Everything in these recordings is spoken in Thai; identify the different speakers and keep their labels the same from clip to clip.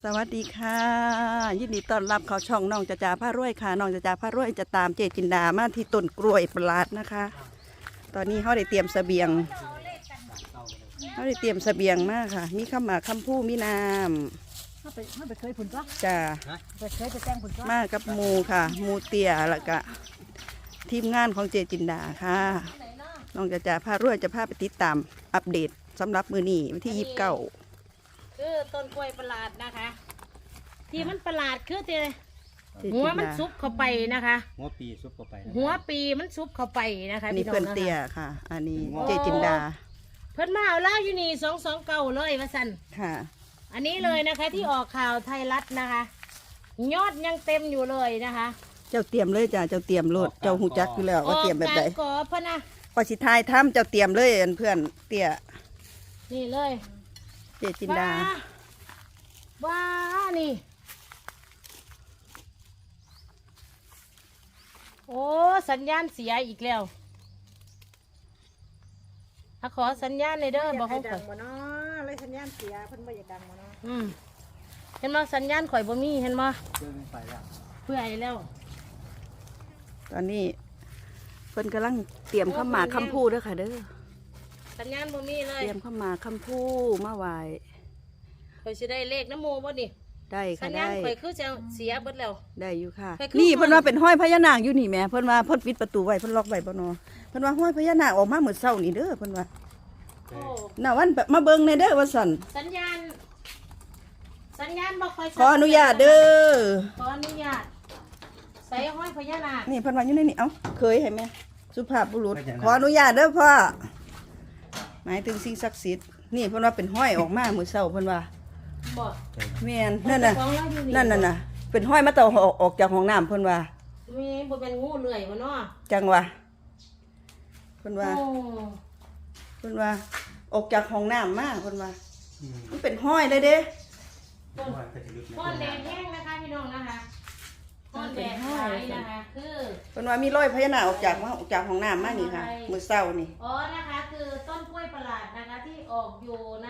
Speaker 1: สวัสดีค่ะยินดีต้อนรับเข้าช่องน้องจะจ่าผ้ารวยค่ะน้องจะจ่าผ้ารวยจะตามเจจินดามาที่ต้นกล้วยประหลาดนะคะตอนนี้เขาได้เตรียมเสบียงมากค่ะมีข้าวหมากข้าวผู้มีน้
Speaker 2: ไม่ไปเคยผุนก็
Speaker 1: ำจ้า
Speaker 2: ไปเคยไปแจ้งผุนก็
Speaker 1: มากับหมูค่ะหมูเตี้ยแล้วก็ทีมงานของเจจินดาค่ะน้องจะจ่าผ้ารวยจะพาไปติดตามอัปเดตสำหรับมือนี้วันที่29
Speaker 3: คือต้นกล้วยประหลาดนะคะที่มันประหลาดคือที่หัวมันซุบเข้าไปนะคะ
Speaker 4: หัวปีซุปเข้าไป
Speaker 3: หัวปีมันซุบเข้าไปนะคะ
Speaker 1: นี่เพื่อนเตี้ยค่ะอันนี้เจจินดา
Speaker 3: เพื่อนมาเอาล่าอยู่นี่229เลยว่าสัน
Speaker 1: ค่ะ
Speaker 3: อันนี้เลยนะคะที่ออกข่าวไทยรัฐนะคะยอดยังเต็มอยู่เลยนะคะ
Speaker 1: เจ้าเตรียมเลยจ้าเจ้าเตรียมโลดเจ้าหูจักอยู่แล้วว่าเตรียมแบบไหน
Speaker 3: ก่อพะนะ
Speaker 1: พอสิทายทำเจ้าเตรียมเลยเพื่อนเตี้ย
Speaker 3: นี่เลย
Speaker 1: เจจินดา
Speaker 3: ว้านี่โอ้สัญญาณเสียอีกแล้วขอสัญญาณในเด้อบอกเขาข่อย
Speaker 2: เนาะเลยสัญญาณเสียเพิ่นไม่อยากดังมาเนาะ
Speaker 3: เห็นมั้สัญญาณข่อยบ่มีเห็นมั้เพื่อไอ้แล้ว
Speaker 1: ตอนนี้เพิ่นกำลังเตรียมข้าวหมากคำพูดด้วยค่ะเด้อ
Speaker 3: สัญญาณบ่มีเลย
Speaker 1: เตรียมข้าวหมากคำพูดมาไหว
Speaker 3: ข่อยสิได้เลขน้ำโมบ่นี่
Speaker 1: ได้ค่ะ
Speaker 3: สัญญาณข่อยคือจะเสียเบิดแล้ว
Speaker 1: ได้อยู่ค่ะนี่เพิ่นว่าเป็นห้อยพญานาคอยู่นี่แม่เพิ่นว่าเพิ่นปิดประตูไว้เพิ่นล็อกไว้บ่เนาะเพิ่นว่าห้อยพญานาคออกมาเมื่อเช้านี่เด้อเพิ่นว่าน่ะวันมาเบิ่งในเด้อว่าซั่น
Speaker 3: สัญญาณบ่ค่อย
Speaker 1: ขออนุญาตเด้อ
Speaker 3: ขออนุญาตใส่ห้อยพญานาค
Speaker 1: นี่เพิ่นว่าอยู่ในนี่เอ้าเคยให้แม่สุภาพบุรุษขออนุญาตเด้อพ่อหมายถึงสิ่งศักดิ์สิทธิ์นี่เพิ่นว่าเป็นห้อยออกมาเมื่อเช้าเพิ่นว่าแม่นนั่นน่ะเป็นห้อยมาเต่าออกจากห้องน้ำเพิ่นว่า
Speaker 3: มีบ่เป็นงูเลื่อยบ่เนาะ
Speaker 1: จังวะเพิ่นว่าออกจากห้องน้ำมาเพิ่นว่ามันเป็นห้อยเลยเด้
Speaker 3: ห้อยแดดแห้งนะคะพี่น้องนะคะห้อยแดดหายนะคะคือ
Speaker 1: เพิ่นว่ามีรอยพญานาคออกจากห้องน้ำมานี่ค่ะมื้อเช้านี่
Speaker 3: อ๋อนะคะคือต้นกล้วยประหลาดนะคะที่ออกอยู่ใน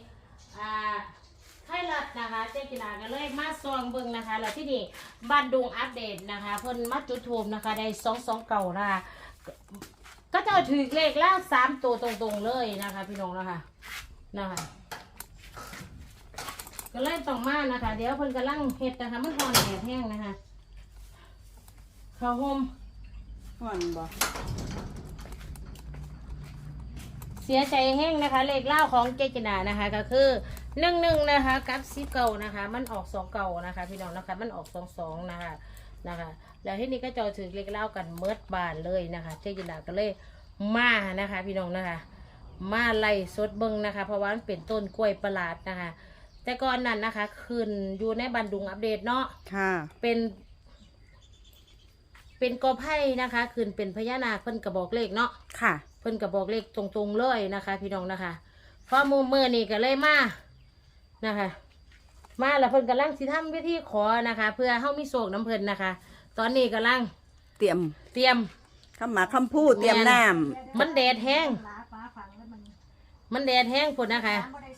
Speaker 3: ไทยรัฐนะคะเจ๊กินาก็เลยมาซองเบิ่งนะคะแล้วที่นี่บ้านดุงอัปเดตนะคะเพิ่นมาจุดทูบนะคะได้229นะคะก็จะถือเลขแล้ว3ตัวตรงๆเลยนะคะพี่น้องนะคะก็เลยต้องมานะคะเดี๋ยวเพิ่นกำลังเฮ็ดนะคะมันร้อนแดดแห้งนะคะข้าวห่ม
Speaker 1: ร้อนบ่
Speaker 3: เสียใจแห้งนะคะเลขเล่าของเจจินานะคะก็คือ11นะคะกับ10นะคะมันออก29นะคะพี่น้องนะคะมันออก22นะคะแล้วที่นี่ก็จะถือเลขเล่ากันเมิดบานเลยนะคะเจจินาก็เลยมานะคะพี่น้องนะคะมาไล่สดเบิ้งนะคะเพราะว่ามันเป็นต้นกล้วยประหลาดนะคะแต่ก่อนนั้นนะคะขึ้นอยู่ในบันดุงอัปเดตเนาะ
Speaker 1: ค่ะ
Speaker 3: เป็นกอไผ่นะคะขึ้นเป็นพญานาคเพิ่นกระบอกเลขเนาะ
Speaker 1: ค่ะ
Speaker 3: เพิ่นกระบอกเลขตรงๆเลยนะคะพี่น้องนะคะพอมือนี่ก็เลยมานะคะมาแล้วเพิ่นกำลังสิทำวิธีขอนะคะเพื่อเฮามีโศกน้ำเพิ่นนะคะตอนนี้กำลัง
Speaker 1: เตรียมคำหมากคำพูดเตรียมน้
Speaker 3: ำมันแดดแห้งพุ่นนะคะ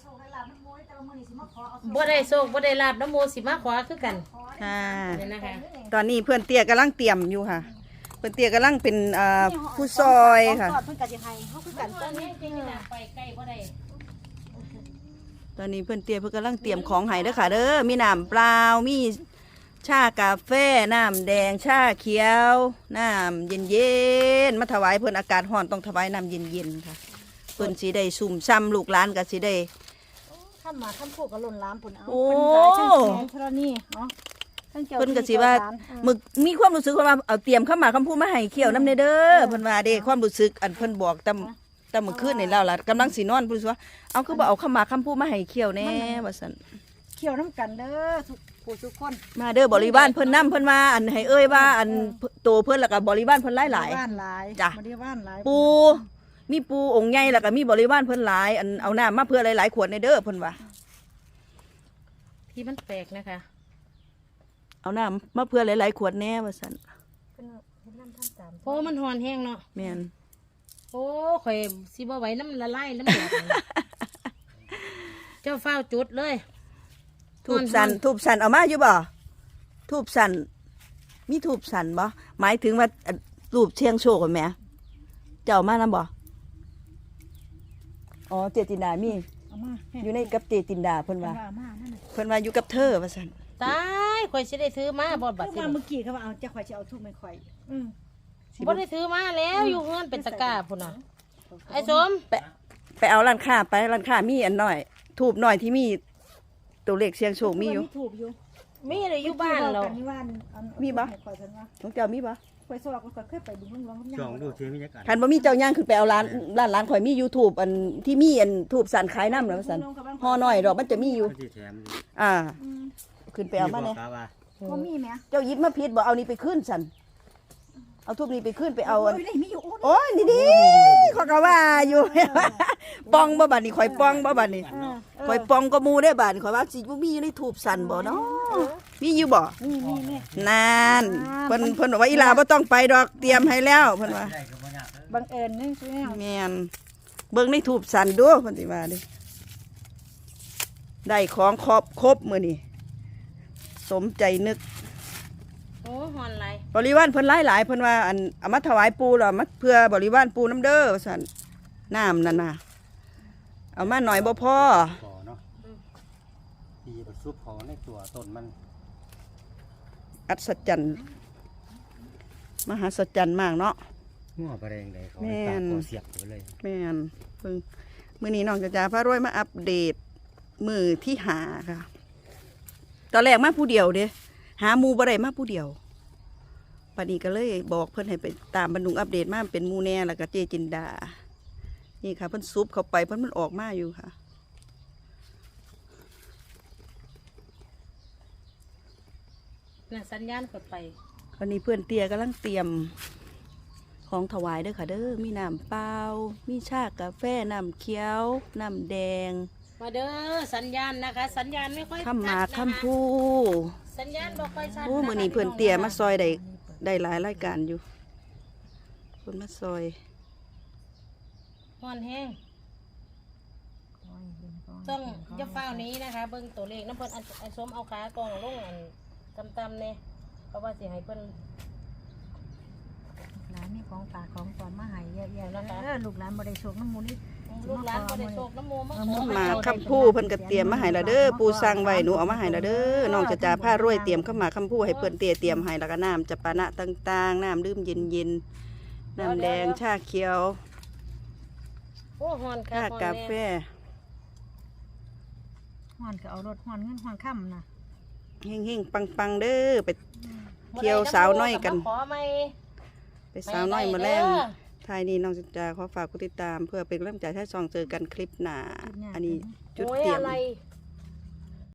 Speaker 3: บ่ได้โศกบ่ได้ลาบน้ำโมสิมาขอคือกัน
Speaker 1: ค่ะตอนนี้เพื่อนเตี้ยกำลังเตรียมอยู่ค่ะเพื่อนเตี้ยกำลังเป็นผู้ซอยค่ะ
Speaker 2: เพิ่นก็สิให้เฮาคือกันตอนนี้
Speaker 3: ไปใกล้บ่ได้
Speaker 1: ตอนนี้เพื่อนเตี้ยเพื่อนกำลังเตรียมของให้เด้อค่ะเด้อมีน้ำเปล่ามีชากาแฟน้ำแดงชาเขียวน้ำเย็นมาถวายเพื่อนอากาศร้อนต้องถวายน้ำเย็นค่ะเพื่อนสีได้สุ่มซ้ำลูกหลานกับสีได้
Speaker 2: ข้ามมาข้ามโคกระหล่นล้ามปุ่นเอา
Speaker 1: โอ้
Speaker 2: เท่านี้เนาะ
Speaker 1: เพิ่นก็สิว่ามึกมีความรู้สึกว่าเอาเตรียมเข้ามาคำพูดมาให้เขียวน้ำเด้อเพิ่นว่าเด้ความรู้สึกอันเพิ่นบอกแต่เมื่อคืนนี่แล้วล่ะกำลังสินอนเพิ่นว่าเอาคือบ่เอาเข้ามาคำพูดมาให้เขียวแน่ว่าซั่น
Speaker 2: เขียวน้ำกันเด้อทุกคน
Speaker 1: มาเด้อบริวารเพิ่นนำเพิ่นว่าอันให้เอ้ยว่าอันโตเพิ่นแล้วก็บริวารเพิ่นหลาย
Speaker 2: จ้ะบริวารหลาย
Speaker 1: ปูมีปูองค์ใหญ่แล้วก็มีบริวารเพิ่นหลายอันเอาน้ำมาเพื่อหลายๆขวดในเด้อเพิ่นว่า
Speaker 3: ที่มันแปลกนะคะ
Speaker 1: เอาน้ำมาเพื่อหลายๆขวดแน่ว่าซั่น
Speaker 3: โอ้มันหอนแห้งเนาะ
Speaker 1: แม่น
Speaker 3: โอ้ข่อยสิบ่ไหวน้ำละลายน้ำแดดเจ้าเฝ้าจุดเลย
Speaker 1: ทูบสันทูบสันเอามาอยู่บ่ทูบสันมีทูบสันบ่หมายถึงว่ารูปเชียงโชคแหมเจ้ามานํบ่อ๋อเจตินดามี
Speaker 2: เอามา
Speaker 1: อยู่ในกับเจตินดาเพิ่นว่า
Speaker 2: เอามานั่นน่ะ
Speaker 1: เพิ่นว่าอยู่กับเธอว่าซั่น
Speaker 3: ตายข่อยสิได้ถือมาบ่บัด
Speaker 2: เมื่
Speaker 3: สิ
Speaker 2: อกี้เขาว่าเอาจะข่อยจะเอาทุบไม่ข่อย
Speaker 3: บ่ได้ถือมาแล้วอยู่เฮือนเป็นตะกร้าพุ่นน่ะไอ้สม
Speaker 1: ไปเอาร้านค้าไปร้านค้ามีอันน้อยทูบน้อยที่มีตัวเลขเสียงโชคมีอยู่
Speaker 2: ถูกอยู่
Speaker 3: มีอะไรอยู่บ้านเรา
Speaker 1: มีบ่
Speaker 2: ข่อยฉันว่า
Speaker 1: ของเจ้ามีบ่
Speaker 2: ข่อยสอบข่อยเคยไปดูลอง
Speaker 4: จองดูเทมีจักอัน
Speaker 1: คันบ่มีเจ้าย่างขึ้นไปเอาร้านข่อยมี YouTube อันที่มีอันทูบสันขายน้ำแล้วว่าซั่นห่อน้อยดอกมันจะมีอยู่
Speaker 4: มันสิแถม
Speaker 1: อ่า ขึ้นไปเอามา
Speaker 4: เล
Speaker 1: แน่
Speaker 4: ยว่า
Speaker 2: ก็มีไหม
Speaker 1: เจ้าหยิบมาผิดบ่เอานี่ไปขึ้นสันเอาทูบนี้ไปขึ้นไปเอาอัน
Speaker 2: ได้มีอยู่
Speaker 1: โอ้ยนี่ดิขอยก็ว่าอยู่ ปองบ่บัดนี้ข่อยปองบ่บัดนี้ข่อยปองก็หมู่ได้บัดนี้ข่อยว่าสิบ่มีอยู่ในทูบสันบ่เนาะมีอยู่บ่
Speaker 2: นี่
Speaker 1: นานเพิ่นบอกว่าอีหลาบ่ต้องไปดอกเตรียมให้แล้วเพิ่นว่า
Speaker 4: ได้ก็บ่ยากเด้อ
Speaker 2: บังเอิญนี่ใช่ไหม
Speaker 1: แม่นเบิ่งในทูบสันดูเพิ่นสิว่าดิได้ของครบมื้อนี้สมใจนึก
Speaker 3: โอ้ฮอนไร
Speaker 1: บริวารเพิ่นหลายๆเพิ่นว่าอันเอามาถวายปู่แล้วมาเพื่อบริวารปู่น้ำเด้อว่าซั่นน้ำนั่นน่ะเอามาหน่อยบ่พอ
Speaker 4: ขอเนาะดีบ่ซุปของในตัวต้นมัน
Speaker 1: อัศจรรย์มหัศจรรย์มากเนาะ
Speaker 4: งัวบ่แรงได้เขา
Speaker 1: แม่น
Speaker 4: ตาคอเสียบไปเลย
Speaker 1: แม่นเพิ่งมื้อนี้น้องจ๋าพารวยมาอัปเดตมื้อที่หาค่ะตอนแรกมาผู้เดียวเด้หาหมู่บ่ได้มาผู้เดียวปัดนี้ก็เลยบอกเพิ่นให้ไปตามบรรดุงอัปเดตมาเป็นหมู่แน่แล้วก็เจจินดานี่ค่ะเพิ่นซุปเข้าไปเพิ่นมันออกมาอยู่ค่ะ
Speaker 3: น่ะสัญญาณกดไป
Speaker 1: วันนี้เพื่อนเตียกำลังเตรียมของถวายเด้อค่ะเด้อมีน้ำเปล่ามีชากาแฟน้ำเขียวน้ำแดง
Speaker 3: มาเด้อสัญญาณนะคะ สัญญาณไม่ค่อย
Speaker 1: ข้ามหมาก
Speaker 3: ชัดนะคะ
Speaker 1: ข้ามพู
Speaker 3: สัญญาณบ่ค่อยชัด
Speaker 1: โอ้มื้อนี้เพื่อนเตียมาซอยได้หลายรายการอยู่เพิ่นมาซอย
Speaker 3: ฮอนแห้งต้องจะเฝ้านี้นะคะ เบิ่งตัวเลขน้ำเพิ่นอันสมเอาขากองลงอันตำๆเนี่ยเพราะว่าสิให้เพิ่น
Speaker 2: หลานนี่ของฝากของตอนมาหายเยอะๆแล้วลูกหลานบ่ได้โชคน้ำมูนี่
Speaker 3: ลูกหลานบ่ได้โชคน้ำมูมาขอ
Speaker 1: หมากข้ามพูเพิ่นก็เตรียมมาให้ละเด้อปูสั่งไว้หนูเอามาให้ละเด้อน้องจะจ่าผ้ารวยเตรียมเข้ามาข้ามพูให้เพิ่นเตรียมให้แล้วก็น้ำจะปานะต่างๆน้ำดื่มเย็นๆน้ำแดงชาเขียว
Speaker 3: โอ้ฮอนค่ะ
Speaker 1: ชา
Speaker 3: ฮอน
Speaker 1: กา
Speaker 3: แน่
Speaker 1: แฟ
Speaker 2: ฮ้อนก็เอารถฮ้อนเงินฮ้อนค่ำนะ
Speaker 1: เฮงๆปังๆเด้อไปเที่ยวสาวน้อยกัน
Speaker 3: ขอไหม
Speaker 1: ไปสาวน้อยมาแล้
Speaker 3: ไป
Speaker 1: ว
Speaker 3: เด้อ
Speaker 1: ท้ายนี้น้องจะขอฝากกดติดตาม เพื่อเป็นกำลังใจให้ซองเจอกันคลิปหน้าอันนี้จุด
Speaker 3: โอ้ย
Speaker 1: เตรียม
Speaker 3: อะไร